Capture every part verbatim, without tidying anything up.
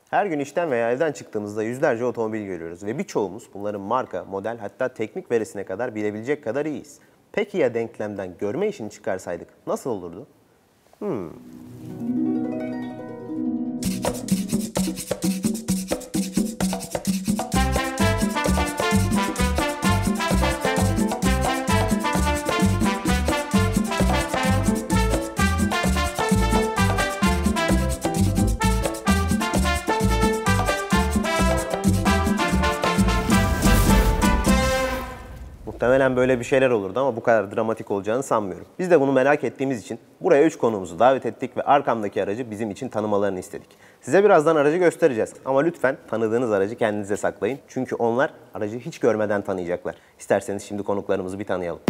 Her gün işten veya evden çıktığımızda yüzlerce otomobil görüyoruz ve birçoğumuz bunların marka, model hatta teknik verisine kadar bilebilecek kadar iyiyiz. Peki ya denklemden görme işini çıkarsaydık nasıl olurdu? Hmm. Muhtemelen böyle bir şeyler olurdu ama bu kadar dramatik olacağını sanmıyorum. Biz de bunu merak ettiğimiz için buraya üç konuğumuzu davet ettik ve arkamdaki aracı bizim için tanımalarını istedik. Size birazdan aracı göstereceğiz ama lütfen tanıdığınız aracı kendinize saklayın. Çünkü onlar aracı hiç görmeden tanıyacaklar. İsterseniz şimdi konuklarımızı bir tanıyalım.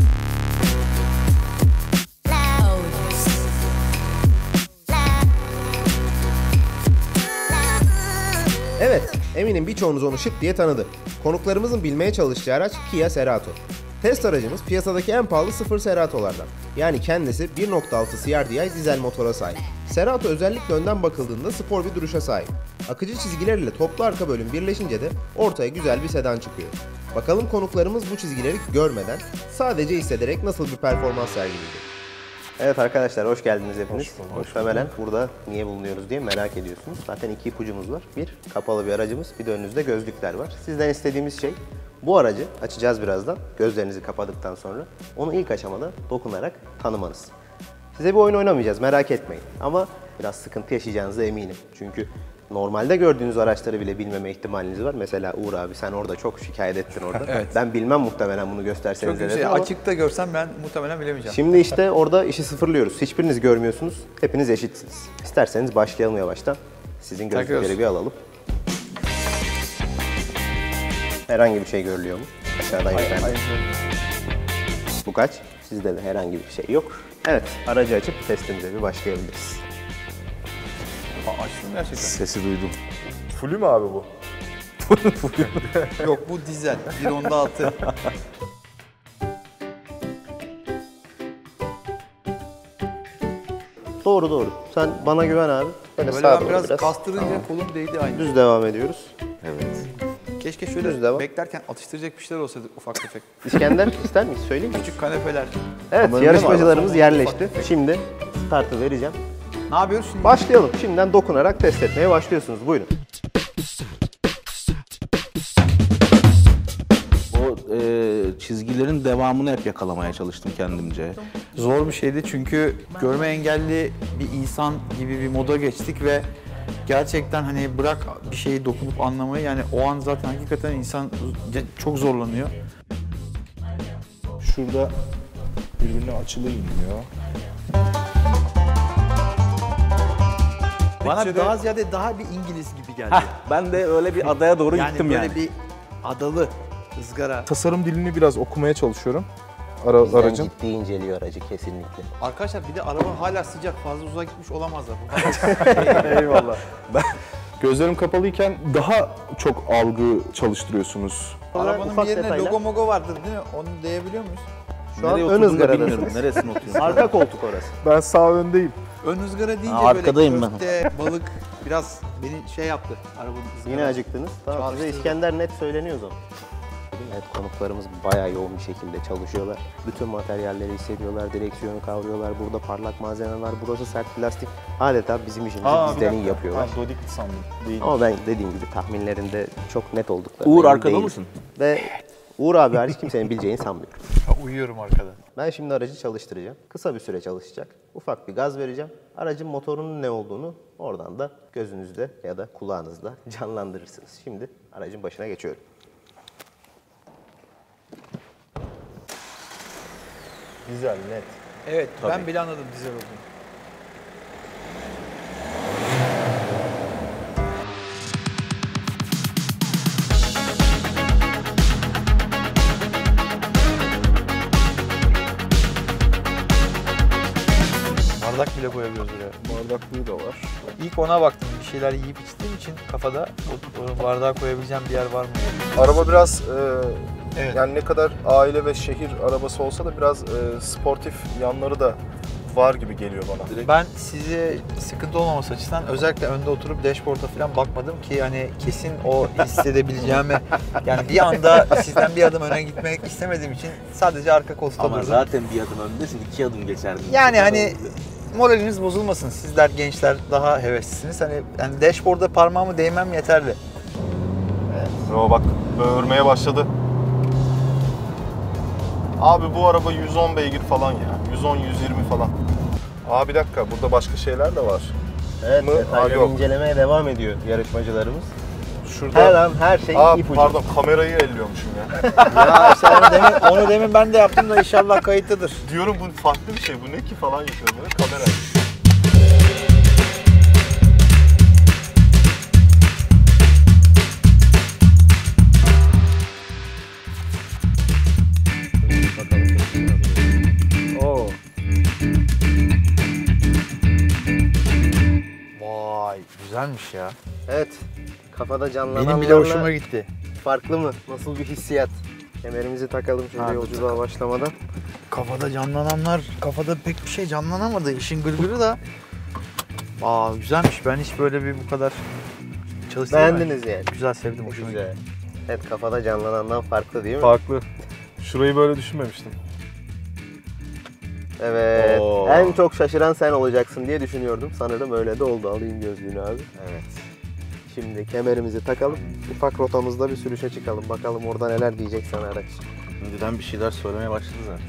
Evet, eminim birçoğunuz onu şık diye tanıdı. Konuklarımızın bilmeye çalışacağı araç Kia Cerato. Test aracımız piyasadaki en pahalı sıfır Cerato'lardan. Yani kendisi bir nokta altı C R D I dizel motora sahip. Cerato özellikle önden bakıldığında spor bir duruşa sahip. Akıcı çizgiler ile toplu arka bölüm birleşince de ortaya güzel bir sedan çıkıyor. Bakalım konuklarımız bu çizgileri görmeden, sadece hissederek nasıl bir performans sergileyecek. Evet arkadaşlar, hoş geldiniz hepiniz. Hoş Muhtemelen burada niye bulunuyoruz diye merak ediyorsunuz. Zaten iki ipucumuz var. Bir, kapalı bir aracımız, bir de önünüzde gözlükler var. Sizden istediğimiz şey, bu aracı açacağız birazdan, gözlerinizi kapadıktan sonra. Onu ilk aşamada dokunarak tanımanız. Size bir oyun oynamayacağız, merak etmeyin. Ama biraz sıkıntı yaşayacağınıza eminim. Çünkü normalde gördüğünüz araçları bile bilmeme ihtimaliniz var. Mesela Uğur abi, sen orada çok şikayet ettin orada. Evet. Ben bilmem muhtemelen bunu gösterseniz. Çok şey, ama açıkta görsem ben muhtemelen bilemeyeceğim. Şimdi işte orada işi sıfırlıyoruz. Hiçbiriniz görmüyorsunuz. Hepiniz eşitsiniz. İsterseniz başlayalım yavaştan. Sizin gözlükleri bir alalım. Herhangi bir şey görülüyor mu? Aşağıdan yukarıdan. Bu kaç? Sizde de herhangi bir şey yok. Evet, aracı açıp testimize bir başlayabiliriz. Aa, açtım gerçekten. Sesi duydum. Fullü mü abi bu? Yok, bu dizel. bir nokta altı. Doğru doğru. Sen bana güven abi. Böyle, Böyle sağa doğru biraz, biraz kastırınca tamam. Kolum değdi aynı. Düz devam ediyoruz. Evet. Keşke şöyle beklerken atıştıracak bir şeyler olsaydı ufak tefek. İskender ister miyiz? Söyleyeyim mi? Küçük kanepeler. Evet, ama yarışmacılarımız yerleşti. Şimdi startı vereceğim. Ne yapıyoruz şimdi? Başlayalım. Şimdiden dokunarak test etmeye başlıyorsunuz. Buyurun. O e, çizgilerin devamını hep yakalamaya çalıştım kendimce. Zor bir şeydi çünkü görme engelli bir insan gibi bir moda geçtik ve gerçekten hani bırak bir şeyi dokunup anlamayı, yani o an zaten hakikaten insan çok zorlanıyor. Şurada birbirine açılı inmiyor. Bana Türkçe'de... daha ziyade daha bir İngiliz gibi geldi. Heh, ben de öyle bir adaya doğru yani gittim böyle yani. bir adalı ızgara. Tasarım dilini biraz okumaya çalışıyorum. Ara, Bizden aracın. ciddi inceliyor aracı kesinlikle. Arkadaşlar bir de araba hala sıcak, fazla uzağa gitmiş olamazlar. Eyvallah. Ben gözlerim kapalıyken daha çok algı çalıştırıyorsunuz. Arabanın bir yerine detaylar. Logo mogo vardır değil mi? Onu diyebiliyor muyuz? Şu an nereye ön ızgaradasınız. bilmiyorum. Neresine oturuyorsun? Arka koltuk orası. Ben sağ öndeyim. Ön ızgara deyince ha, arkadayım böyle köfte, balık biraz beni şey yaptı. Arabanın ızgarası. Yine acıktınız. Tamam, size İskender net söyleniyor o zaman. Evet, konuklarımız bayağı yoğun bir şekilde çalışıyorlar. Bütün materyalleri hissediyorlar, direksiyonu kavruyorlar. Burada parlak malzeme var, burası sert plastik. Adeta bizim işimizi Aa, bizden iyi yapıyorlar. Ha, Dodik sandım. Değil. Ama ben dediğim gibi tahminlerinde çok net oldukları. Uğur arkada mısın? Ve Uğur abi hariç kimsenin bileceğini sanmıyorum. Uyuyorum arkada. Ben şimdi aracı çalıştıracağım. Kısa bir süre çalışacak. Ufak bir gaz vereceğim. Aracın motorunun ne olduğunu oradan da gözünüzde ya da kulağınızda canlandırırsınız. Şimdi aracın başına geçiyorum. Güzel, net. Evet, Tabii. ben bile anladım dizel olduğunu. Bardak bile koyabiliyoruz buraya. Bardaklığı da var. İlk ona baktım. Bir şeyler yiyip içtiğim için kafada o, o bardağı koyabileceğim bir yer var mı diye. Araba biraz e, Evet. yani ne kadar aile ve şehir arabası olsa da biraz e, sportif yanları da var gibi geliyor bana. Ben size sıkıntı olmaması açısından özellikle önde oturup dashboard'a falan bakmadım ki hani kesin o hissedebileceğimi yani bir anda sizden bir adım öne gitmek istemediğim için sadece arka koltukta Ama durdum. zaten bir adım öndesin, iki adım geçerdin. Yani hani moraliniz bozulmasın. Sizler gençler daha heveslisiniz. Hani yani dashboard'a parmağımı değmem yeterli. Yo bak böğürmeye başladı. Abi bu araba yüz on beygir falan ya. yüz on yüz yirmi falan. Aa bir dakika burada başka şeyler de var. Evet, Mı? detayları Aa, yok. incelemeye devam ediyor yarışmacılarımız. Şurada... Her an her şey Aa ipucu. pardon kamerayı elliyormuşum ya. Ya işte onu demin, onu demin ben de yaptım da inşallah kayıtlıdır. Diyorum bu farklı bir şey bu ne ki falan yapıyorum böyle kamera. Oo. Vay güzelmiş ya. Evet. Kafada canlananlarla Benim bile hoşuma gitti. farklı mı? Nasıl bir hissiyat? Kemerimizi takalım şöyle Hadi yolculuğa takalım. başlamadan. Kafada canlananlar, kafada pek bir şey canlanamadı. İşin gırgırı da. Aa güzelmiş. Ben hiç böyle bir bu kadar çalıştırmadım. Beğendiniz yani. Güzel sevdim. Hoşuma gitti. Güzel. Evet, kafada canlanandan farklı değil mi? Farklı. Şurayı böyle düşünmemiştim. Evet. Oo. En çok şaşıran sen olacaksın diye düşünüyordum. Sanırım öyle de oldu. Alayım gözlüğünü abi. Evet. Şimdi kemerimizi takalım. Ufak rotamızda bir sürüşe çıkalım. Bakalım orada neler diyecek sana araç. Önceden bir şeyler söylemeye başladı zaten.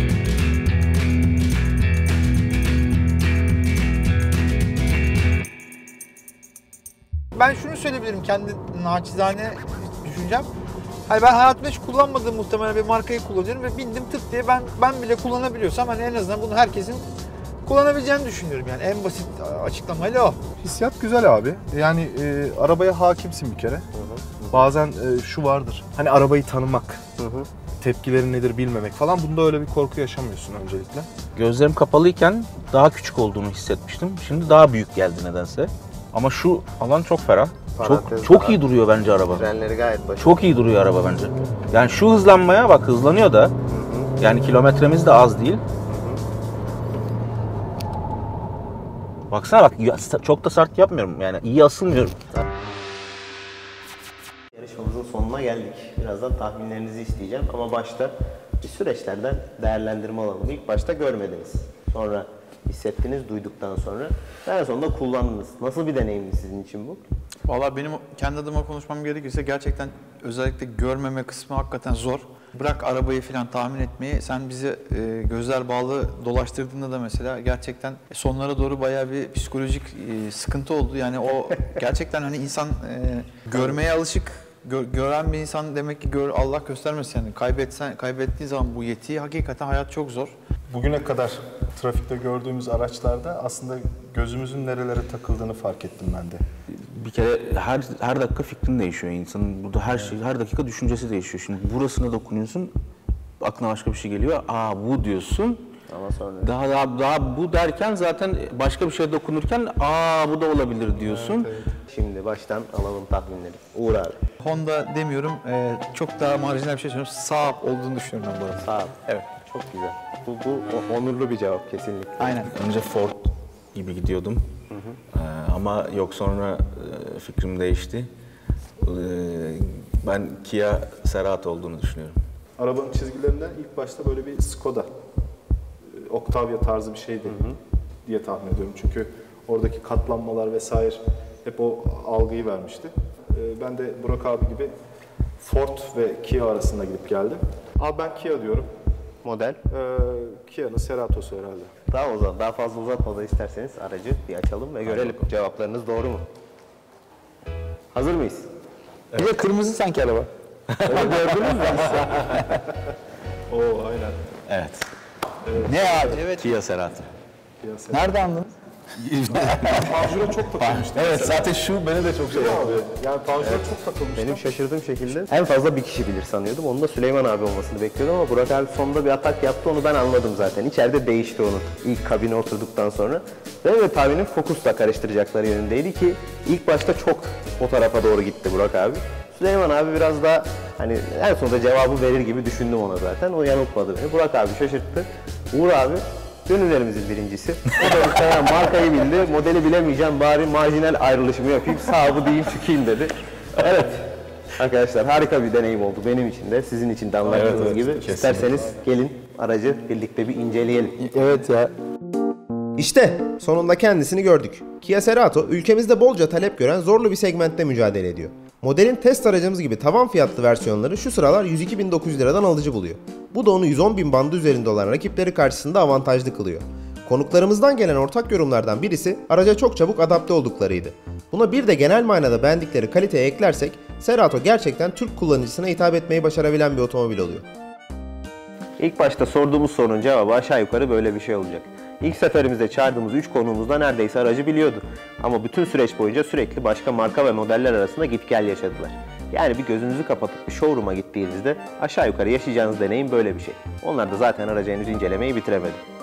Ben şunu söyleyebilirim kendi naçizane düşüncem. Hani ben hayatımda hiç kullanmadığım muhtemelen bir markayı kullanıyorum ve bindim tık diye ben ben bile kullanabiliyorsam hani en azından bunu herkesin kullanabileceğini düşünüyorum yani en basit açıklamayla o. Hissiyat güzel abi. Yani e, arabaya hakimsin bir kere. Bazen e, şu vardır. Hani arabayı tanımak, Hı hı. tepkileri nedir bilmemek falan. Bunda öyle bir korku yaşamıyorsun öncelikle. Gözlerim kapalıyken daha küçük olduğunu hissetmiştim. Şimdi daha büyük geldi nedense. Ama şu alan çok ferah. Parantez Çok çok daha. iyi duruyor bence araba. Frenleri gayet başarılı. Çok iyi duruyor araba bence. Yani şu hızlanmaya bak hızlanıyor da. Yani kilometremiz de az değil. Baksana bak ya- çok da sert yapmıyorum yani iyi asılmıyorum. Yarışmamızın sonuna geldik. Birazdan tahminlerinizi isteyeceğim ama başta bir süreçlerden değerlendirme alalım. İlk başta görmediniz. Sonra hissettiniz duyduktan sonra. En sonunda kullandınız. Nasıl bir deneyimdi sizin için bu? Valla benim kendi adıma konuşmam gerekirse gerçekten özellikle görmeme kısmı hakikaten zor. Bırak arabayı falan tahmin etmeyi, sen bizi e, gözler bağlı dolaştırdığında da mesela gerçekten sonlara doğru bayağı bir psikolojik e, sıkıntı oldu. Yani o gerçekten hani insan e, görmeye alışık, gö- gören bir insan demek ki gör, Allah göstermesin yani kaybetsen kaybettiği zaman bu yetiyi hakikaten hayat çok zor. Bugüne kadar trafikte gördüğümüz araçlarda aslında gözümüzün nerelere takıldığını fark ettim ben de. Bir kere her her dakika fikrin değişiyor insanın. Burada her şey her dakika düşüncesi değişiyor. Şimdi burasına dokunuyorsun, aklına başka bir şey geliyor. Aa bu diyorsun. Ama sonra Daha daha daha bu derken zaten başka bir şeye dokunurken aa bu da olabilir diyorsun. şimdi baştan alalım tahminleri. Uğur abi. Honda demiyorum, e, çok daha marjinal bir şey söylüyorum. Saab olduğunu düşünüyorum ben bu arada. Sağ ol. Evet. Çok güzel. Bu, bu o- onurlu bir cevap kesinlikle. Aynen. Önce Ford gibi gidiyordum. Ee, ama yok sonra e, fikrim değişti. Ee, ben Kia Cerato olduğunu düşünüyorum. Arabanın çizgilerinden ilk başta böyle bir Skoda, e, Octavia tarzı bir şeydi diye tahmin ediyorum. Çünkü oradaki katlanmalar vesaire hep o algıyı vermişti. E, Ben de Burak abi gibi Ford ve Kia arasında gidip geldim. Abi ben Kia diyorum. Model. Ee, Kia'nın Cerato'su herhalde. Daha o zaman daha fazla uzatmadan isterseniz aracı bir açalım ve görelim cevaplarınız doğru mu? Hazır mıyız? Bir de kırmızı sanki araba. Oo aynen. Evet. Ne abi? Evet. Kia Cerato. Kia Cerato. Nerede anladın? Panjur'a çok takılmıştı. Evet mesela. zaten şu beni de çok şey Değil mi yaptı. abi? Yani Panjur'a çok takılmıştı. Benim şaşırdığım şekilde en fazla bir kişi bilir sanıyordum. Onu da Süleyman abi olmasını bekliyordum ama Burak abi sonunda bir atak yaptı, onu ben anladım zaten. İçeride değişti onun ilk kabine oturduktan sonra. Benim de tahminim Focus'la karıştıracakları yönündeydi ki ilk başta çok o tarafa doğru gitti Burak abi. Süleyman abi biraz daha hani en sonunda cevabı verir gibi düşündüm ona zaten. O yanıltmadı beni. Burak abi şaşırttı. Uğur abi Dönürlerimizin birincisi. O da muhtemelen markayı bildi. Modeli bilemeyeceğim, bari marjinal ayrılışımı yapayım. Sahibi diyeyim çıkayım dedi. Evet. Arkadaşlar harika bir deneyim oldu benim için de. Sizin için de anlattığınız Evet, evet, gibi. kesinlikle. İsterseniz gelin aracı birlikte bir inceleyelim. Evet ya. İşte sonunda kendisini gördük. Kia Cerato ülkemizde bolca talep gören zorlu bir segmentte mücadele ediyor. Modelin test aracımız gibi tavan fiyatlı versiyonları şu sıralar yüz iki bin dokuz yüz liradan alıcı buluyor. Bu da onu yüz on bin bandı üzerinde olan rakipleri karşısında avantajlı kılıyor. Konuklarımızdan gelen ortak yorumlardan birisi araca çok çabuk adapte olduklarıydı. Buna bir de genel manada beğendikleri kaliteye eklersek Cerato gerçekten Türk kullanıcısına hitap etmeyi başarabilen bir otomobil oluyor. İlk başta sorduğumuz sorunun cevabı aşağı yukarı böyle bir şey olacak. İlk seferimizde çağırdığımız üç konuğumuzda neredeyse aracı biliyordu. Ama bütün süreç boyunca sürekli başka marka ve modeller arasında git gel yaşadılar. Yani bir gözünüzü kapatıp bir showroom'a gittiğinizde aşağı yukarı yaşayacağınız deneyim böyle bir şey. Onlar da zaten aracı henüz incelemeyi bitiremedi.